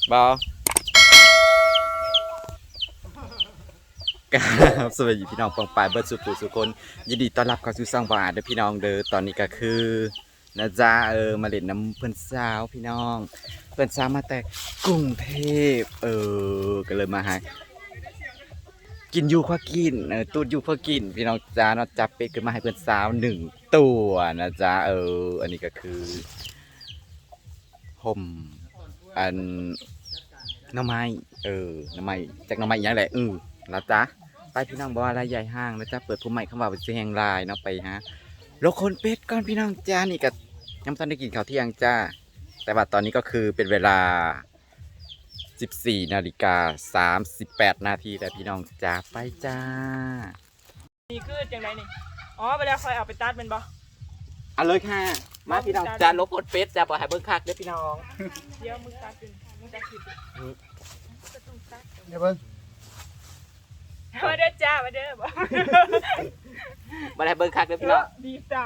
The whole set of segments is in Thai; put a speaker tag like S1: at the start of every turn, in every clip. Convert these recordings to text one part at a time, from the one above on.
S1: บอครับสวัสดีพี่น้องปองปายเบิร์ดสุขุสุคนยินดีต้อนรับเข้าสู่ช่องบาร์เด้อพี่น้องเด้อตอนนี้ก็คือนะจ๊ะมาเล่นน้ำเพื่อนสาวพี่น้องเพื่อนสาวมาแต่กรุงเทพก็เลยมาหากินอยู่ข้ากินตูดอยู่ข้ากินพี่น้องจ้าเนาะจับเป็ดขึ้นมาให้เพื่อนสาว1 ตัวนะจ๊ะอันนี้ก็คือห่มอันหน้ำไม้หน้ำไม้จากหน้ำไม้อย่างไรแล้วจ้ะไปพี่น้องบอกว่าอะไรใหญ่ห้างแล้วจ้ะเปิดผู้ใหม่เข้ามาเป็นเสียงลายเนาะไปฮะโลคนเป็ดก่อนพี่น้องจ้านี่ก็ยังไม่ทันได้กินข้าวเที่ยงจ้าแต่ว่าตอนนี้ก็คือเป็นเวลา14:38 นาทีแต่พี่น้องจ้าไปจ้า
S2: นี่คือจังไรนี่อ๋อไปแล้วคอยเอาไปตัดเป็นบ่
S1: เอาเลยค่ะมาพี่น้องจ้าลบคนเป็ดจ้าบอกให้เบิ้งคักเด้อพี่น้อง
S2: เดี๋ยวมึงตัดเป็นมึงตัดผิด
S3: เดี๋ยวเบิ่ง
S2: มาเด้อจ้ามาเด้อบ่
S1: มาให้เบิ้งคักเด้อพี่น้อง
S2: ดีจ้า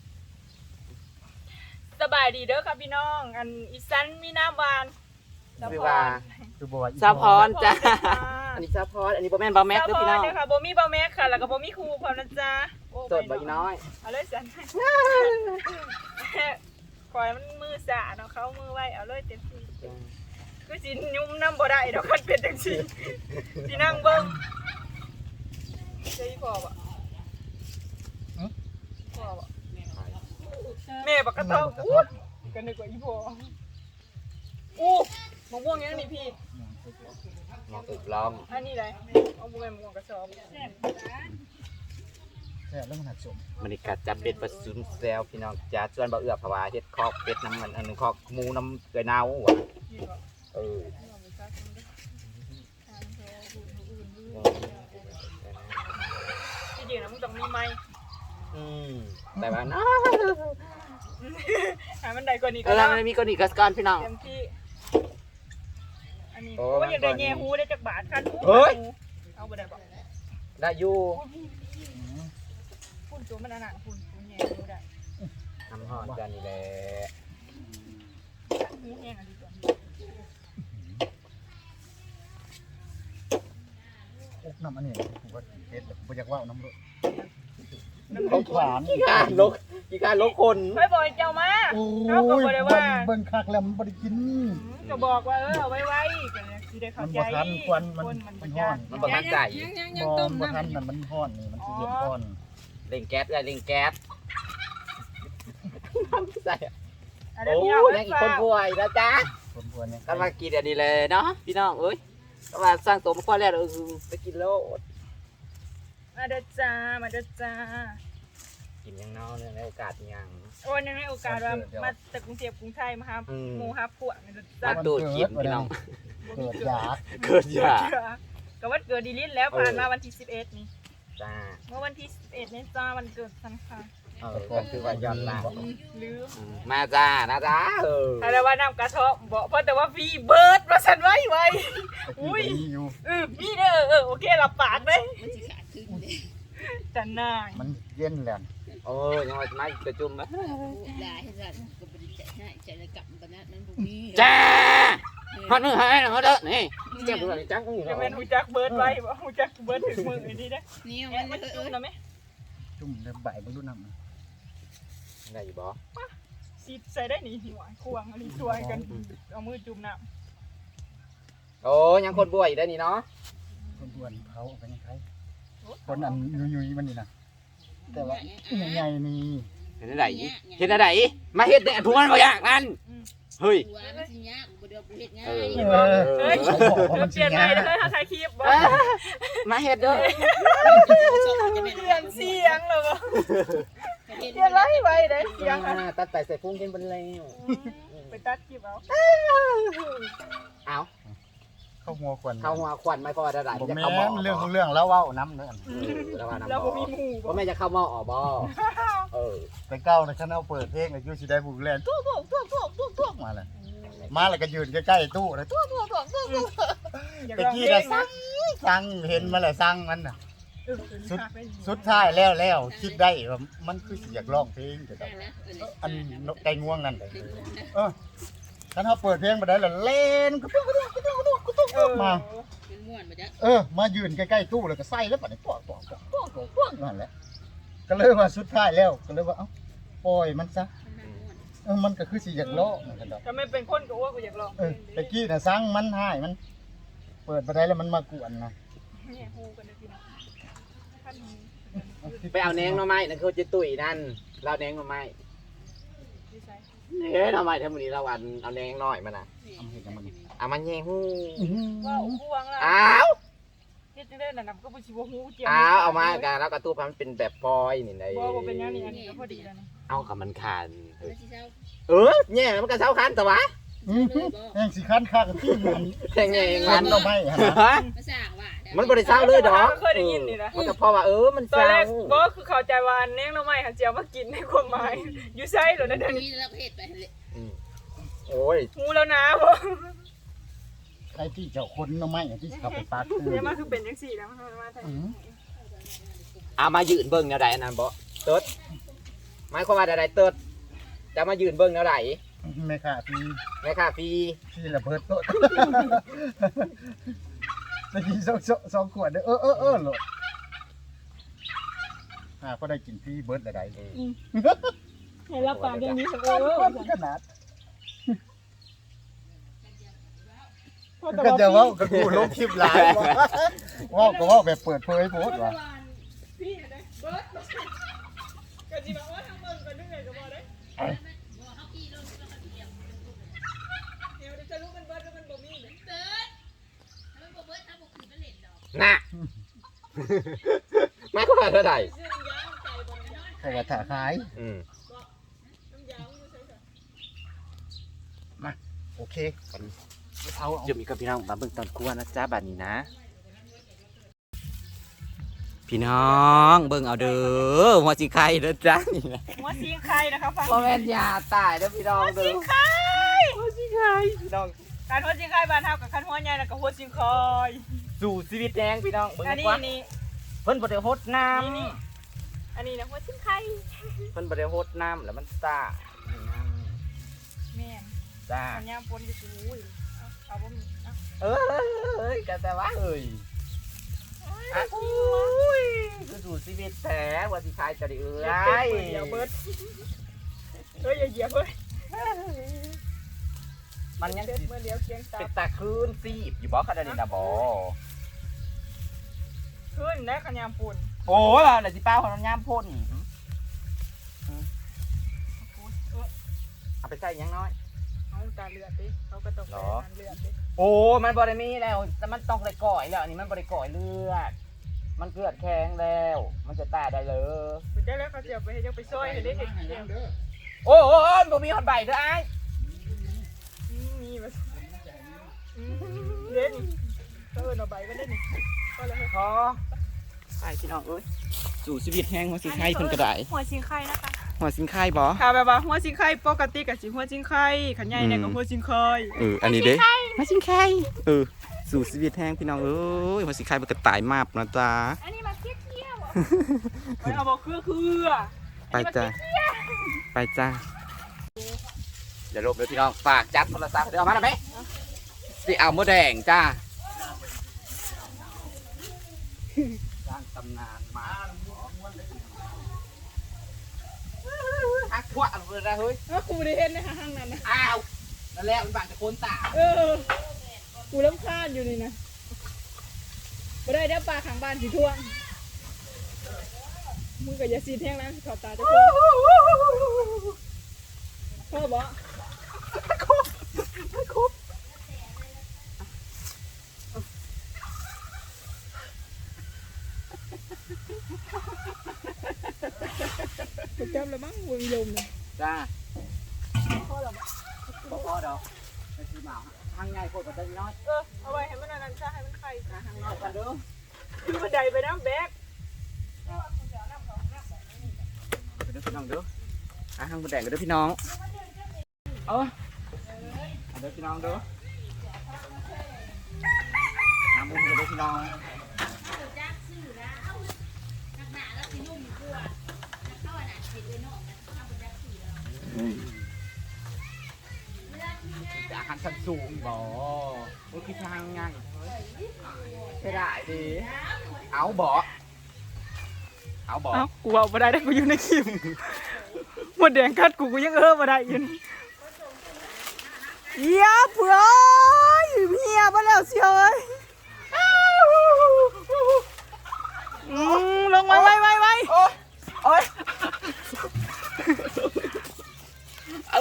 S2: สบายดีเด้อครับพี่น้องอันอีสันมีน้ำหวาน
S1: ซาพรจ้าอันนี้ซาพรอันนี้บ่แม่นบ่แม็กเด้อพี่น้อง
S2: ค่ะบ่มีบ่แม็กค่ะแล้วก็บ่มีครูพร้อมนะจ้า
S1: สดบ่อีน้อย
S2: เอาเลยสันคอยมันมือสะเนาะเขามือไว้เอาเลยเต็มที่คือสิยุ่มน้ำบ่ได้ดอกคันเป็นจังซี่สินั่งเบิ่งใช่พ่อบ่พ่อบ่แม่บักกะเตาอู้กันนึกว่าอีพ่ออู้มะม่วงยังนี่พี่
S1: มองตึกล้อม
S2: อันนี้ไรเอาบุ้งมะม่วงกระสอบ
S3: แซ่บแล้วมันหักสม
S1: มันนี่กัดจับเบ็ดปลาซุนแซวพี่น้องจ้าส่วนบ่เอื้อภาวะเฮ็ดคอกเป็ดน้ำมันอันนึงคอกหมูน้ำเกลือเน่าว่ะ
S2: ที่จริงนะมึงต้องมีไม้
S1: แต่ว่าน้า
S2: มันได้กว่านี้
S1: ก็มันมีกว่านี้กัสพี่น้อง
S2: เต็มที่อันนี้ว่าอย่างไรแง่หูได้จากบาทคันหูเอาไปได้บ่
S1: ได้อยู่
S2: พุ่นตัวมันหนาพุ่นแง่หูได้
S1: ทำห่อกันนี่แหละ
S2: หูแห้งอันนี้ตัว
S3: อกน้ำอันนี้ผมว่าเผ็ดผมอยากว่าน้ำรส
S1: เขาขวานกี่การลกคน
S2: ไม่บอกเจ้ามาเขาก็บอกเลยว่า
S3: เบิ่งคักแล้วมันบ่ได้กิน
S2: ก็บอกว่าเอาไว้กันสิได้เข้าใจ
S3: ควันมันฮ้อน
S1: มันบ่ทันใจ
S3: ยังต้มทันมันฮ้อนนี่มันสิเย็นฮ้อน
S1: เร่งแก๊สเลยเร่งแก๊สใส่
S2: โอ้
S1: ยยังอีกคนป่วยนะจ๊ะ
S3: คนป่วยเนี่ย
S1: ก็มากินอันนี้เลยเนาะพี่น้องเอ้ยก็มาสร้างตัวมาคว้าแล้วไปกินโลด
S2: มาเด้อจ้ามาเด้อจ้า
S1: กินยังเนาะในโอกาสยัง
S2: โอ้ยในโอกาสว่ามาจากกรุงเทพกรุงไทยมาครับหมูฮับพวก
S1: มาดูกินพี่น้อง
S3: เกิดยา
S2: ก็วันเกิดดีลิทแล้วผ่านมาวันที่11นี่
S1: จ้า
S2: เมื่อวันที่11นี่จ้าวันเกิดฉันค่ะ
S1: ก็คือว่าย้อนหลัง
S2: ลืม
S1: มาจ้านะจ้า
S2: อะไรว่าน้ำกระเทาะบอกเพราะแต่ว่าฟีเบิร์ดมาสั่นไว้อุ้ยมีเด้อโอเคหลับปากเลยจันนาย
S3: มันเย็นแล้ว
S1: โอ้ยยังไม่กระจุ่มไหมจ้าฮอดมือหายนะฮอดเด้อนี่เจ็บตัวนี่จังกู
S2: จะเป็นหูจักเบิร์ดไว้บ่หูจักเบิร์ดถึงมือนี่ได้นี่มันจุ่มนะไหม
S3: จุ่มในใบมันดูน้ำ
S1: ได้อยู่บ่
S2: ซีดใส่ได้หนีหัวควงอันนี้ช่วยกันเอามือจุ่มน้
S1: ำโอ้ยังคนป่วยอยู่ได้นี่เนาะ
S3: คนป่วยเขาเป็นใครคนอันยุยมันนี่นะแต่ว่าใหญ่ๆนี่
S1: เห็นอะไรมาเฮ็ดเนี่ยผู้มันบ่อยากนั่นเฮ้ย
S2: เปลี่ยนใหม่เลยถ้าถ่ายคลิป
S1: มาเฮ็ดเด้อ
S2: เปลี่ยนเสียงเลยบ่เปลี่ยนไรไว้ได้เสียง
S1: ตัดไปใส่พุ่งกินบนแล้ว
S2: ไปตัดคลิป
S1: เอา
S3: เข้าหัวค
S1: วันไม่พอได้
S3: จะเข้าหม้อเรื่องแล้วว่าน้ำเนื้อ
S2: แล้วผมมีหมู
S1: ว่าแม่จะเข้าหม้อบ่
S3: ไปเก้าในชั้นเอาเปิดเพลงอายุสิได้บุกแลนตุ๊กมาเลยมาแล้วก็ยืนใกล้ๆตู้เลยตุ๊กตะกี้นะสั่งเห็นมาเลยสั่งมันน่ะสุดท้ายแล้วคิดได้ว่ามันคืออยากร้องเพลงแต่อันไก่ง่วงนั่นคันเฮาเปิดเพลงบ่ได้แล้วเล่นกุตุ๊กมา
S4: เป็นม่วนมาจ้ะ
S3: มายืนใกล้ๆตู้แล้วก็ใส่แล้วบัดนี้ตัวนั่นแหละก็เลยว่าสุดท้ายแล้วก็เลยว่าเอ้าปล่อยมันซะ
S4: มันม่วน
S3: มันก็คือสิอยากล้อเหมือนกันดอก
S2: ถ้าไม่เป็นคนก็อ้วกกูอยากลอง
S3: ตะกี้น่ะสั่งมันให้มัน เปิดบ่ได้แล้วมันมากวนนะ
S2: เนี่ยฮู้กันเลยพี่น้องท่าน
S1: ไปเอาแหนงหน่อไม้นั่นคือจิตุ๋ยนั่นเราแหนงหน่อไม้
S2: ดีไซน์
S1: หน่อไม้ทั้งหมดนี้เราเอาแหนงน้อยมันน่ะเอามันแยงฮู้
S2: ว่าอู้วางละ
S1: อ้าว
S2: เฮ็ดจังได๋น่ะนำก็บ่สิบ่ฮู้เจียว
S1: เอามากันแล้วกระตู้พันเป็นแบบฟอยนี่ได้
S2: บ่เป็นหยังนี่อันนี้ก็พอดีแล้วนี่
S1: เอากับมันคัน
S4: แล้วสิเช้า
S1: แย่มันก็เช้าคันแต่วะ
S3: แห่งสิคันค่ากันที่มัน
S1: แย่ง
S3: คั
S1: มัน น
S3: เราไม่ฮะ
S4: มาสร้างว่า
S1: มันบ่ได้เช้าเลยดอก
S2: เคยได้ยินนี่นะ
S1: มันก็เพราะว่ามัน
S2: ตอน
S1: เช้า
S2: แรกบ่คือเข้าใจว่าแนงหน่อไม้หันเจียวมากินในความหมายอยู่ไสเหรอนั่น
S4: คุ
S2: นี่
S4: ยแล้วก็เฮ็ดไปเลย
S1: โอ้ย
S2: ฮู้แล้วนะบ่
S3: ใครที่เจ้าคนเราไม่ที่เขาไปปาด
S2: เนี่ยมันคือเป็นจังซี่แล้วมันมาทาง
S1: เอามายืนเบิ่งแนวใดอันนั้นบ่เติดหมายความว่าใดเติดจะมายืนเบิ่งแนวใด
S3: ไม่ค่ะพี่
S1: แม่ค่าฟรี
S3: พี่ระเบิดโต๊ะตะกี้สองขวดเด้อโหลดก็ได้กินพี่เบิร์ดอะไร
S2: ให้รับปากอย่างนี้สัก
S3: ขนาดก็จะว่าก็กูลงคลิปหลายว่าก็ว่าแบบเปิดเผยโพสต์ว่ะ
S2: พี่ได้เบิดก็สิบอกว่าทางเบิ่งก็นึกไงก็บ่ได้เดี๋ยวจะรู้มันเบิดแล้วมันบ่มีเนี่ย
S4: เบิดถ้ามันบ่เบิดถ้าบ่คือมันเล่นดอก
S1: น่ะหมายความว่าเท่าใด
S2: ซื้อน้ำยาใส่บ่น้ำยา
S3: ใครว่าถ่าขาย
S2: น้ำยาอยู่ใส่ซะ
S3: โอเคเอา
S1: จะมีกับพี่น้องมาเบิ่งตอนกวนนะจ๊ะบัดนี้นะ พี่น้องเบิ่งเอาเด้อหัวสิไข่เด้อจ้ะนี่นะ
S2: หัวสิงไข่นะคะฟัง
S1: บ่แม่นยาตายเด้อพี่น้องเด้อ
S2: ไข่
S1: หัวสิไข่พี่น้อง
S2: การหัวสิงไข่บ้านเฮากับคันหัวใหญ่แล้วก็หัวสิงคอย
S1: สู่ชีวิตแดงพี่น้องเบิ่ง
S2: อัน
S1: ดี
S2: นี้
S1: กว่า
S2: นี่
S1: เพิ่นบ่ได้ฮดน้ำ
S2: นี่อันนี้นะหัวสิงไข่
S1: เพิ่นบ่ได้ฮดน้ำแล้วมันซ่า
S2: แม่น
S1: จ้า
S2: อันยามฝนก็สิอุ้ยเอาบ่มีเอา
S1: เอ้ยก็แต่ว่าเอ้ยอ่ะอุ้ยคือสู่ชีวิตแท้หัวสิไข่จะได้เอ้
S2: เดี๋ยวย เบิดอย่าเหยียบเว้ย
S1: มันยัง
S2: เด็ด
S1: สิ
S2: เมื่อเดียวเคียงตา
S1: เป็นตาคลื่นซีบอยู่บ่คันนี้นะบ่
S2: ขึ้นแล้วกันยามฝน
S1: โอ้ยน่ะสิป้าของน้ำยามพ่นเอาไปใส่หยังน้อย
S2: เอาตาเลือดดิเขาก็ต้อง
S1: หร
S2: ไป
S1: อ
S2: ทานเลือดดิ
S1: โอ้มันบ่ได้มีแล้วแต่มันต้องได้ก่อยแล้วอันนี้มันบ่ได้ก่อยเลือด มันเกลือดแข็งแล้ว มันจะตายได้เลย
S2: ไปเจ้าแล้วเขาเสียไปให้เจ้าไปซอยให้ได้เห็นเดียว
S1: โอ้ยบ่มีหอดใบเด้ออ้าย
S2: มีมาเล่นเอาใบก็เล่นก็เลย
S1: ขอไปพี่น้องเอ้ยสู่ชีวิตแห้งหัวสิงไข่เพิ่นก็ได้
S2: หัวสิงไข่นะคะ
S1: หัวสิงไข่บ่
S2: ค่ะแบบว่าหัวสิงไข่ปกติกับสิหัวสิงไข่ขันใหญ่เนี่ยกับหัวสิงไข่
S1: อันนี้เด้หัวสิงไข่สู่ชีวิตแห้งพี่น้องเอ้ยหัวสิงไข่มันก็ตายมาบนะจ๊ะ
S2: อันนี้มาเคี้ยวๆเอาบอกคือ
S1: ไปจ้ะไปจ้ะเดี๋ยวลบเลยพี่น้องฝากจับโทรศัพท์เดี๋ยวเอามาหน่อยไหมสิเอาหมูแดงจ้าสร้างตำนานมาฮักทั่วอะไรนะเฮ้ย
S2: กูได้เห็นในห้างนั้นนะ
S1: อ้าวนั่นแหละมันบางตะโกนตา
S2: กูรำคาญอยู่นี่นะไม่ได้เดี๋ยวปลาขังบ้านสีท่วงมึงกับยาซีแท่งนะขอบตาจะพ่อบอกกูจำแล้วมั้งวงยมเลย
S1: จ้า
S2: พ่อหรอ
S1: พอดอกไอ้ที่หมาทางใหญ่โคตรจะน้อย
S2: เอาไว้ให้มันอันนั้นซะให้มันไข่
S1: ทางน้อยกันเด้อ
S2: คือบันไดไปน้ำแบก
S1: ไปเด้อพี่น้องเด้อทางหมูแดงกันเด้อพี่น้องเอาเด้อพี่น้องเด้อน้ำมุ้งกันเด้อพี่น้อง
S4: จักซื้อแล้วนักหนาแล้วสินุ่มกว่านักเข้าอันนั้นเฮ็ดไว้นอกนะเข้าบ่จักซื้อแล้วเลือกมีงาน
S1: อาหารชั้นสูงบ่โอ้คือทางง่ายไปได้ดิเอาบ่เอาบ่
S2: เอ้ากูเอาบ่ได้กูอยู่ในคลิปหมดแดงกัดกูยังบ่ได้อยู่นี่เหี้ยเผื่อเหี้ยมาแล้วเชียวเอ้ยลงไว้
S1: โอ้ยเอา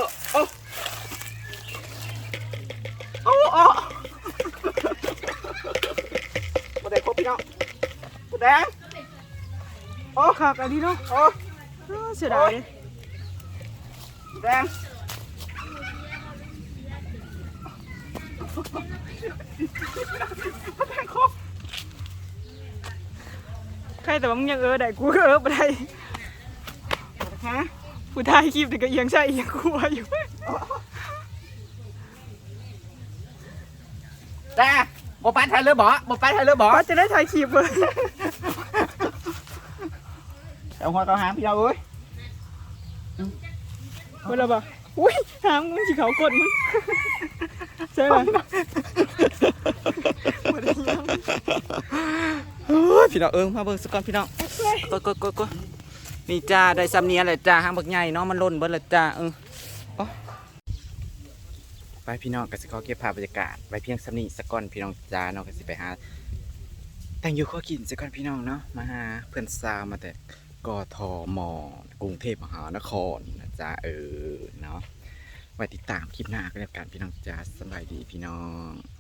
S1: บ่ได้ครบพี่น้องบ่แดง
S2: โอ้ขากอันนี้เนาะเสียดาย
S1: แดง
S2: ใครแต่ว่ามึงยังได้กูก็บ่ได้
S1: ฮะ
S2: ผู้ถ่ายคลิปนี่ก็เอียงใช่เอียงกลัวอยู่
S1: แต่บ่ไปไทยเลยบ่ไปไทยเลยบ่
S2: ว่าจะได้ถ่ายคลิปเลย
S1: เอาหัวต่อหางพี่เราเอ้ย
S2: เวลาบ่อุ้ยหางมึงสิเขากดมึงใช่ไหมบ่ได้ยัง
S1: โอ้ยพี่น้องมาเบิ่งสักก่อนพี่น้องกดนี่จ้าได้ซ้ำเนี้ยแหละจ้าหางบักใหญ่เนาะมันล่นเบิดและจ้าไปพี่น้องก็สิขอเก็บภาพบรรยากาศไว้เพียงซ้ำนี้สักก่อนพี่น้องจ้าเนาะก็สิไปหาแต่งอยู่ข้อกินสักก่อนพี่น้องเนาะมาหาเพื่อนสาวมาแต่กทมกรุงเทพมหานครนะจ้าเนาะไว้ติดตามคลิปหน้าก็แล้วกันพี่น้องจ้าสบายดีพี่น้อง